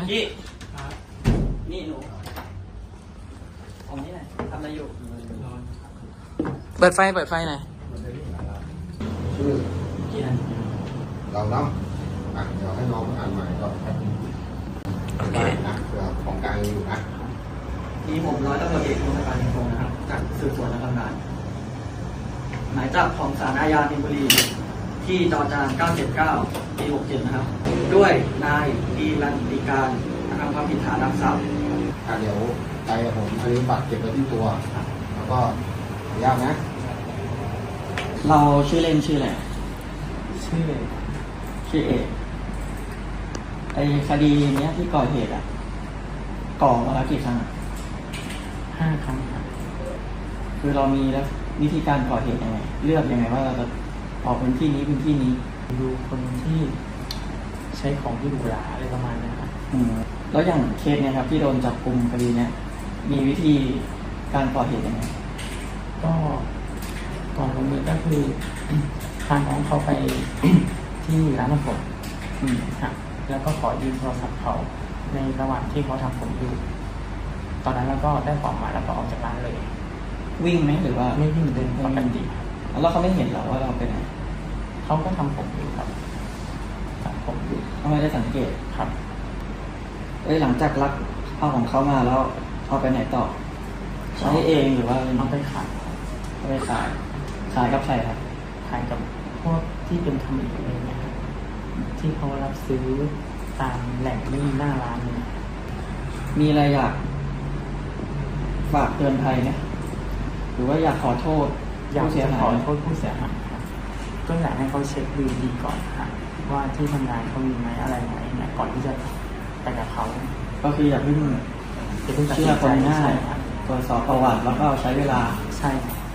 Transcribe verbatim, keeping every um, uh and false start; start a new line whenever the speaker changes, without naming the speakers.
กี้นี่หนูผมนี่ไหนทำอะไรอยู่
เปิดไฟเปิดไฟหน่อย
ชื่อ
กี้นะ
เราเนาะอ่ะเดี๋ยวให้น้องอ่านใหม่ก่อนครับ
โอเค
นะเผื่อของกลางอยู่นะ
นี่ผมร้อยตำรวจเอกพงศกรพงศ์นะครับจากสืบสวนและทำงานหมายจับของศาลอาญาธนบุรีที่จอจานเก้าเจ็ดเก้าปีหกเจ็ดนะครับด้วยนายดีรันติการทำความผิดฐานลักทรัพย์
อ่ะเดี๋ยวไปกับผมอันนี้บัตรเก็บไว้ที่ตัวแล้วก็ขออนุญาตนะ
เราชื่อเล่นชื่ออะไร
ชื่อ
ชื่อเอกไอคดีเนี้ยที่ก่อเหตุอ่ะก่อมาแล้วกี่ครั้งอะ
ห้าครั้งครับ
คือเรามีแล้ววิธีการก่อเหตุยังไงเลือกยังไงว่าเราจะออกพื้นที่นี้พื้นที่นี้
ดูคนที่ใช้ของที่หรูหราอะไรประมาณนี้ครับ
อืมแล้วอย่างเคสเนี่ยครับที่โดนจับกุมคดีเนี้ยมีวิธีการก่อเหตุยังไง
ก็ก่อนลงมือก็คือ พาน้องเขาไป ที่ร้านทำผม
อืม
ครับแล้วก็ขอยืมโทรศัพท์เขาในระหว่างที่เขาทำผมอยู่ตอนนั้นเราก็ได้ของมาแล้วก็ออกจากร้านเลย
วิ่งไหมหรือว่า
ไม่วิ่งเดินปกติครับ
แล้วเขาไม่เห็นเหรอว่าเราเป็นไหน
เขาก็ทำผมอยู่ครับทำผมอยู่
เขาไม่ได้สังเกต
ครับ
เอ้ยหลังจากรับเอาของเขามาแล้วเอาไปไหนต่อใช้เองหรือว่า
เอาไปขาย
เอาไปขายขายกับใครครับ
ขายกับพวกที่เป็นทำอีกอะไรเงี้ยครับที่เขารับซื้อตามแหล่งนี่หน้าร้านเลย
มีอะไรอยากฝากเตือนภัยไหมหรือว่าอยากขอโทษ
อยาก
ผู้เสีย
จะ
หา
ขอย โทษผู้เสียหายครับก็อยากให้เขาเช็คดูดีก่อนครับว่าที่ทำงานเขามีไหมอะไรไหมเนี่ยก่อนที่จะไปกับเขา
ก็คืออย่าเพิ่ง
จะเพิ่งตัด
เชื่
สิ
อน ค
ใจ
นง่า
ใช่
ย
ครับ
ตรวจสอบประวัติแล้วก็ใช้เวลา
ใช่ครับ